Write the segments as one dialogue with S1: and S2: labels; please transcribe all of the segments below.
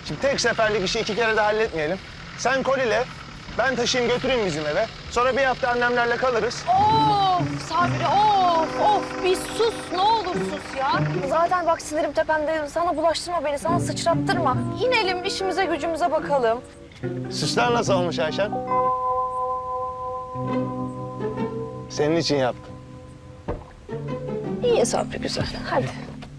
S1: Şimdi tek seferlik işi 2 kere de halletmeyelim. Sen koliyle, ben taşıyayım götüreyim bizim eve. Sonra bir hafta annemlerle kalırız.
S2: Of Sabri of bir sus ne olur sus ya. Zaten bak sinirim tepemde, sana bulaştırma beni, sana sıçrattırma. İnelim işimize gücümüze bakalım.
S1: Süsler nasıl olmuş Ayşen? Senin için yaptım.
S2: İyi Sabri güzel hadi.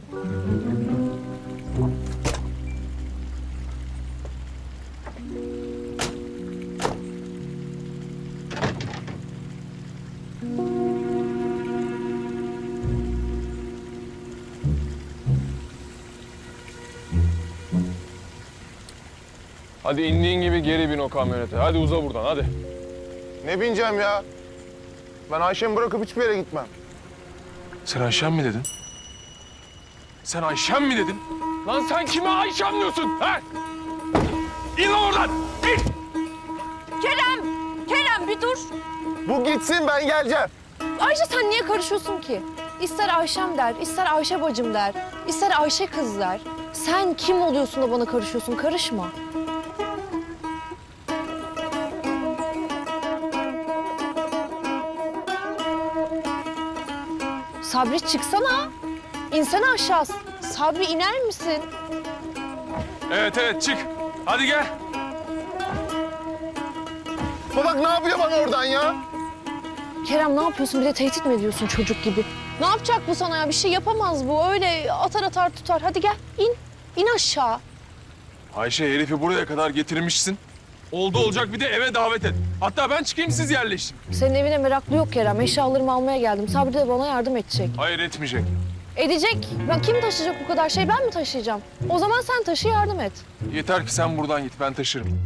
S3: Hadi indiğin gibi geri bin o kamyonete. Hadi uza buradan hadi.
S1: Ne bineceğim ya? Ben Ayşen'i bırakıp hiçbir yere gitmem.
S3: Sen Ayşem mi dedin? Sen Ayşem mi dedin? Lan sen kime Ayşem diyorsun? Ha? İn lan oradan! İn!
S2: Kerem bir dur.
S1: Bu gitsin, ben geleceğim.
S2: Ayşe sen niye karışıyorsun ki? İster Ayşem der, ister Ayşe bacım der, ister Ayşe kız der. Sen kim oluyorsun da bana karışıyorsun? Karışma. Sabri çıksana. İnsene aşağı. Sabri iner misin?
S3: Evet çık. Hadi gel.
S1: Bak ne yapıyor bana oradan ya?
S2: Kerem ne yapıyorsun? Bir de tehdit mi ediyorsun çocuk gibi? Ne yapacak bu sana ya? Bir şey yapamaz bu. Öyle atar tutar. Hadi gel in. İn aşağı.
S3: Ayşe herifi buraya kadar getirmişsin. Oldu olacak bir de eve davet et. Hatta ben çıkayım siz yerleşin.
S2: Senin evine meraklı yok Kerem. Eşyalarımı almaya geldim. Sabri de bana yardım edecek.
S3: Hayır etmeyecek.
S2: Edecek. Ben kim taşıyacak bu kadar şey? Ben mi taşıyacağım? O zaman sen taşı yardım et.
S3: Yeter ki sen buradan git ben taşırım.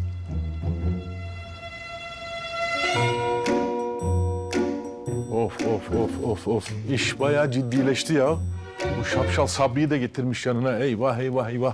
S4: Of. İş bayağı ciddileşti ya. Bu şapşal Sabri'yi de getirmiş yanına. Eyvah.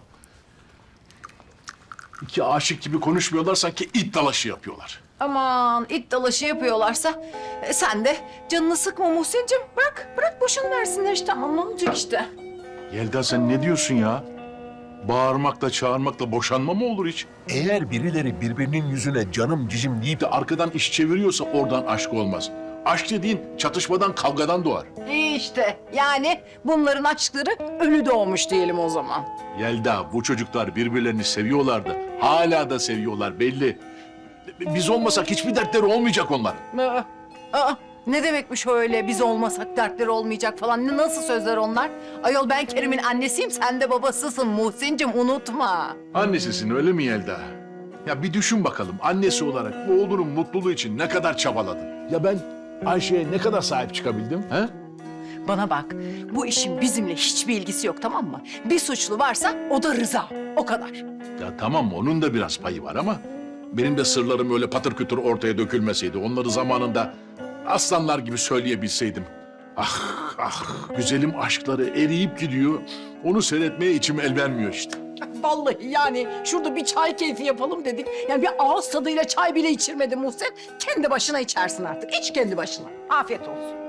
S4: İki aşık gibi konuşmuyorlar, sanki it dalaşı yapıyorlar.
S5: Aman it dalaşı yapıyorlarsa sen de canını sıkma Muhsin'cim. Bırak boşuna versinler işte. Aman ne olacak işte.
S4: Yelda sen ne diyorsun ya? Bağırmakla çağırmakla boşanma mı olur hiç? Eğer birileri birbirinin yüzüne canım cicim deyip de arkadan iş çeviriyorsa oradan aşk olmaz. Aşk dediğin çatışmadan, kavgadan doğar.
S5: İyi işte yani bunların aşkları ölü doğmuş diyelim o zaman.
S4: Yelda, bu çocuklar birbirlerini seviyorlardı. Hala da seviyorlar belli. Biz olmasak hiçbir dertleri olmayacak onların.
S5: Ne demekmiş öyle biz olmasak dertleri olmayacak falan. Nasıl sözler onlar? Ayol ben Kerim'in annesiyim, sen de babasısın Muhsin'cim, unutma.
S4: Annesisin öyle mi Yelda? Ya bir düşün bakalım, annesi olarak bu oğlunun mutluluğu için ne kadar çabaladın? Ya ben Ayşe'ye ne kadar sahip çıkabildim? He?
S5: Bana bak, bu işin bizimle hiçbir ilgisi yok, tamam mı? Bir suçlu varsa o da Rıza, o kadar.
S4: Ya tamam, onun da biraz payı var ama benim de sırlarım öyle patır kütür ortaya dökülmeseydi, onları zamanında aslanlar gibi söyleyebilseydim. Ah, güzelim aşkları eriyip gidiyor. Onu seyretmeye içim el vermiyor işte.
S5: Vallahi yani şurada bir çay keyfi yapalım dedik. Yani bir ağız tadıyla çay bile içirmedi Muhsin. Kendi başına içersin artık. İç kendi başına. Afiyet olsun.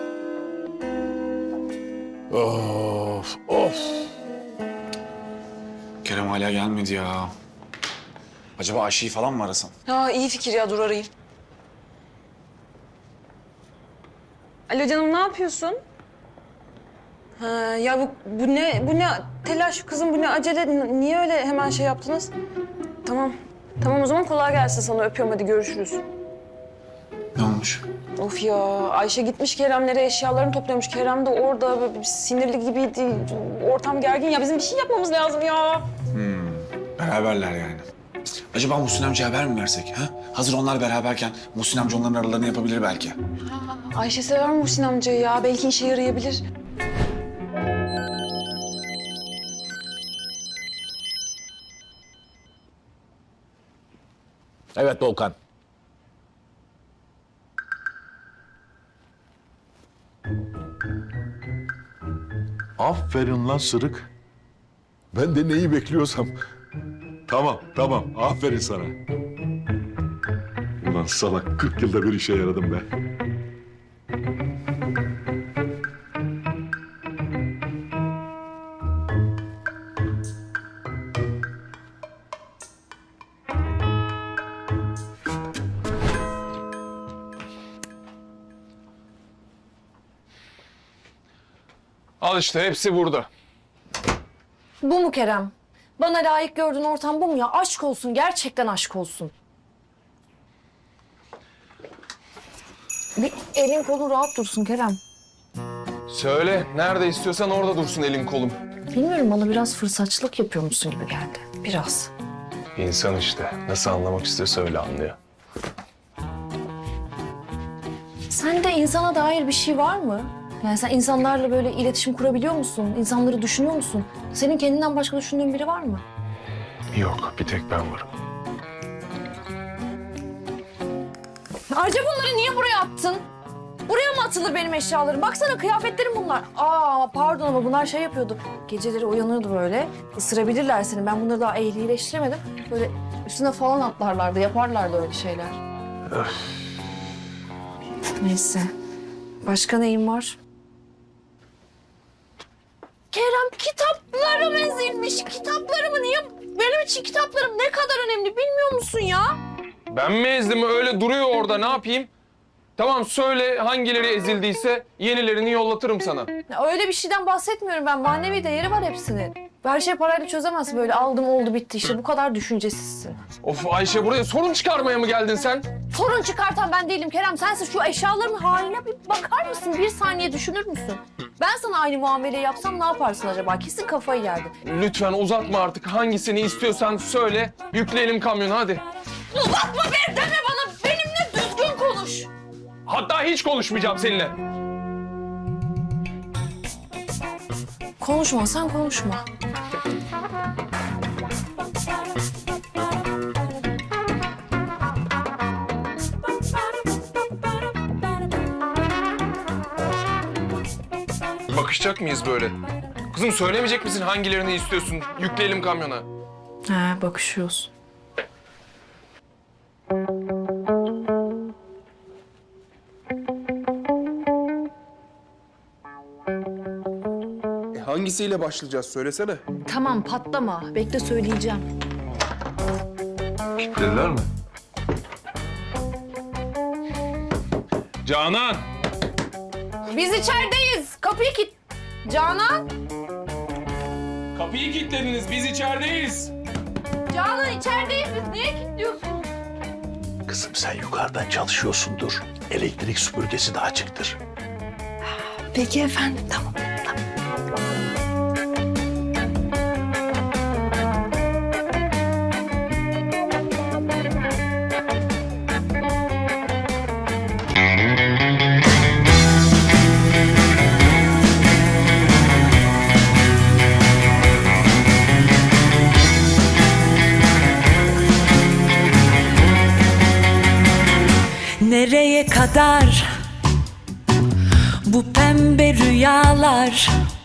S4: Of.
S6: Kerem hala gelmedi ya. Acaba Ayşe'yi falan mı arasam?
S7: Ha iyi fikir ya, dur arayayım. Alo canım, ne yapıyorsun? Ha ya bu ne telaş kızım, bu ne acele, niye öyle hemen şey yaptınız? Tamam o zaman kolay gelsin sana, öpüyorum, hadi görüşürüz.
S6: Ne olmuş?
S7: Of ya, Ayşe gitmiş Keremlere, eşyalarını topluyormuş. Kerem de orada böyle sinirli gibiydi, ortam gergin ya, bizim bir şey yapmamız lazım ya.
S6: Beraberler yani. Acaba Muhsin amcaya haber mi versek? Ha? Hazır onlar beraberken Muhsin amca onların aralarını yapabilir belki.
S7: Ayşe sever Muhsin amcayı ya, belki işe yarayabilir.
S4: Evet Volkan. Aferin lan Sırık. Ben de neyi bekliyorsam. Tamam. Aferin sana. Ulan salak, 40 yılda bir işe yaradım be.
S3: Al işte hepsi burada.
S2: Bu mu Kerem? Bana layık gördüğün ortam bu mu ya? Aşk olsun, gerçekten aşk olsun. Bir elin kolun rahat dursun Kerem.
S3: Söyle, nerede istiyorsan orada dursun elim kolum.
S2: Bilmiyorum, bana biraz fırsatçılık yapıyormuşsun gibi geldi. Biraz.
S3: İnsan işte. Nasıl anlamak istiyorsa öyle anlıyor.
S2: Sende insana dair bir şey var mı? Yani sen insanlarla böyle iletişim kurabiliyor musun? İnsanları düşünüyor musun? Senin kendinden başka düşündüğün biri var mı?
S3: Yok, bir tek ben varım.
S2: Ayrıca bunları niye buraya attın? Buraya mı atılır benim eşyalarım? Baksana kıyafetlerim bunlar. Aa pardon ama bunlar şey yapıyordu. Geceleri uyanıyordu böyle. Isırabilirler seni. Ben bunları daha ehlileştiremedim. Böyle üstüne falan atlarlardı, yaparlardı öyle şeyler. Neyse. Başka neyim var? Kerem kitaplarım ezilmiş. Kitaplarımı niye... Benim için kitaplarım ne kadar önemli bilmiyor musun ya?
S3: Ben mi ezdim? Öyle duruyor orada. Ne yapayım? Tamam söyle hangileri ezildiyse yenilerini yollatırım sana.
S2: Ya öyle bir şeyden bahsetmiyorum ben. Manevi değeri var hepsinin. Her şey parayla çözemezsin böyle. Aldım oldu bitti işte. Bu kadar düşüncesizsin.
S3: Of Ayşe buraya sorun çıkarmaya mı geldin sen?
S2: Sorun çıkartan ben değilim Kerem. Sensin, şu eşyaların haline bir bakar mısın? Bir saniye düşünür müsün? Ben sana aynı muameleyi yapsam ne yaparsın acaba? Kesin kafayı yerdin.
S3: Lütfen uzatma artık. Hangisini istiyorsan söyle. Yükleyelim kamyonu hadi.
S2: Uzatma be deme bana. Benimle düzgün konuş.
S3: Hatta hiç konuşmayacağım seninle.
S2: Konuşma, sen konuşma.
S3: Bakışacak mıyız böyle? Kızım söylemeyecek misin hangilerini istiyorsun? Yükleyelim kamyona.
S2: He, bakışıyoruz.
S8: Hangisiyle başlayacağız söylesene.
S2: Tamam, patlama. Bekle söyleyeceğim.
S3: Dediler mi? Canan!
S2: Biz içerideyiz. Kapıyı kit... Canan!
S3: Kapıyı kilitlediniz. Biz içerideyiz.
S2: Canan içerideyiz biz. Niye kilitliyorsun?
S4: Kızım sen yukarıdan çalışıyorsundur. Elektrik süpürgesi de açıktır.
S2: Peki efendim, tamam.
S9: Nereye kadar bu pembe rüyalar?